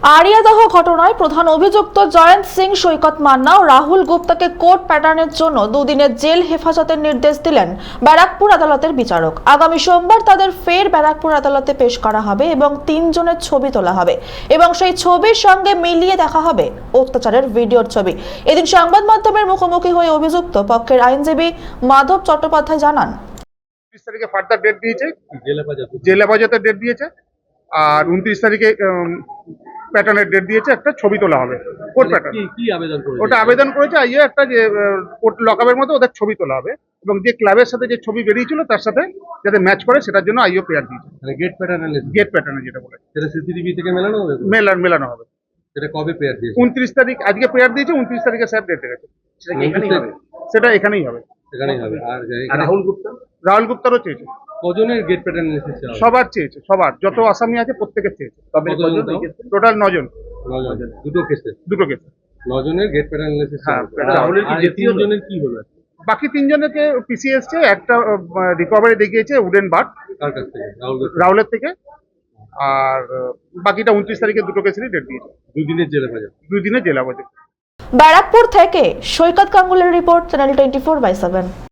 আরিয়াদহ ঘটনায় প্রধান অভিযুক্ত জয়ন্ত সিং সৈকত মান্না ও রাহুল গুপ্তাকে কোর্ট প্যাটার্নের জন্য দুদিনের জেল হেফাজতের নির্দেশ দিলেন ব্যারাকপুর আদালতের বিচারক। আগামী সোমবার তাদের ফের ব্যারাকপুর আদালতে পেশ করা হবে এবং 3 জনের ছবি তোলা হবে এবং সেই ছবির সঙ্গে মিলিয়ে দেখা হবে অত্যাচারের ভিডিওর ছবি। এদিন সংবাদ মাধ্যমের মুখোমুখি হয়ে অভিযুক্ত পক্ষের আইনজীবী মাধব চট্টোপাধ্যায় জানান, 30 তারিখে ফার্দার ডেট দিয়েছে, জেল হেফাজতের ডেট দিয়েছে, আর 29 তারিখে প্যাটার্নের ডেট দিয়েছে, একটা ছবি তোলা হবে কোর্ট প্যাটার্ন। কি আবেদন করেছে? ওটা আবেদন করেছে আইয়ে একটা যে কোর্ট লকআপের মতো ওদের ছবি তোলা হবে এবং যে ক্লাবের সাথে যে ছবি বেরিয়েছিল তার সাথে যাতে ম্যাচ করে সেটার জন্য আইও পেয়ার দিয়েছে। মানে গেট প্যাটার্ন গেট প্যাটার্নে যেটা বলে সেটা সিসিটিভি থেকে মেলানো হবে তো? মেলানো হবে। সেটা কবে পেয়ার দিয়েছে? 29 তারিখ আজকে পেয়ার দিয়েছে, 29 তারিখে স্যার ডেট রেখেছে। সেটা এখানেই হবে। সেখানেই হবে। আর রাহুল গুপ্তারও চেয়েছে, কজনের গেট প্যাটার্ন এসেছে? সবার চেয়েছে, সবার যত আসামি আছে প্রত্যেকের চেয়েছে। টোটাল 9 জন, দুটো কেসে দুটো কেস। 9 জনের গেট প্যাটার্ন এসেছে। হ্যাঁ, রাহুলের কি 3 জনের কি হলো? বাকি 3 জনকে পিসি এসছে, একটা রিকভারি দেখিয়েছে উডেন বাট কার কাছ থেকে? রাহুলের থেকে, আর বাকিটা 29 তারিখে দুটো কেসেরই ডেট দিয়েছে। 2 দিনের জেলে পাজা। 2 দিনের জেল হেফাজত। ব্যারাকপুর থেকে সৈকত গাঙ্গুলির রিপোর্ট, চ্যানেল 24/7।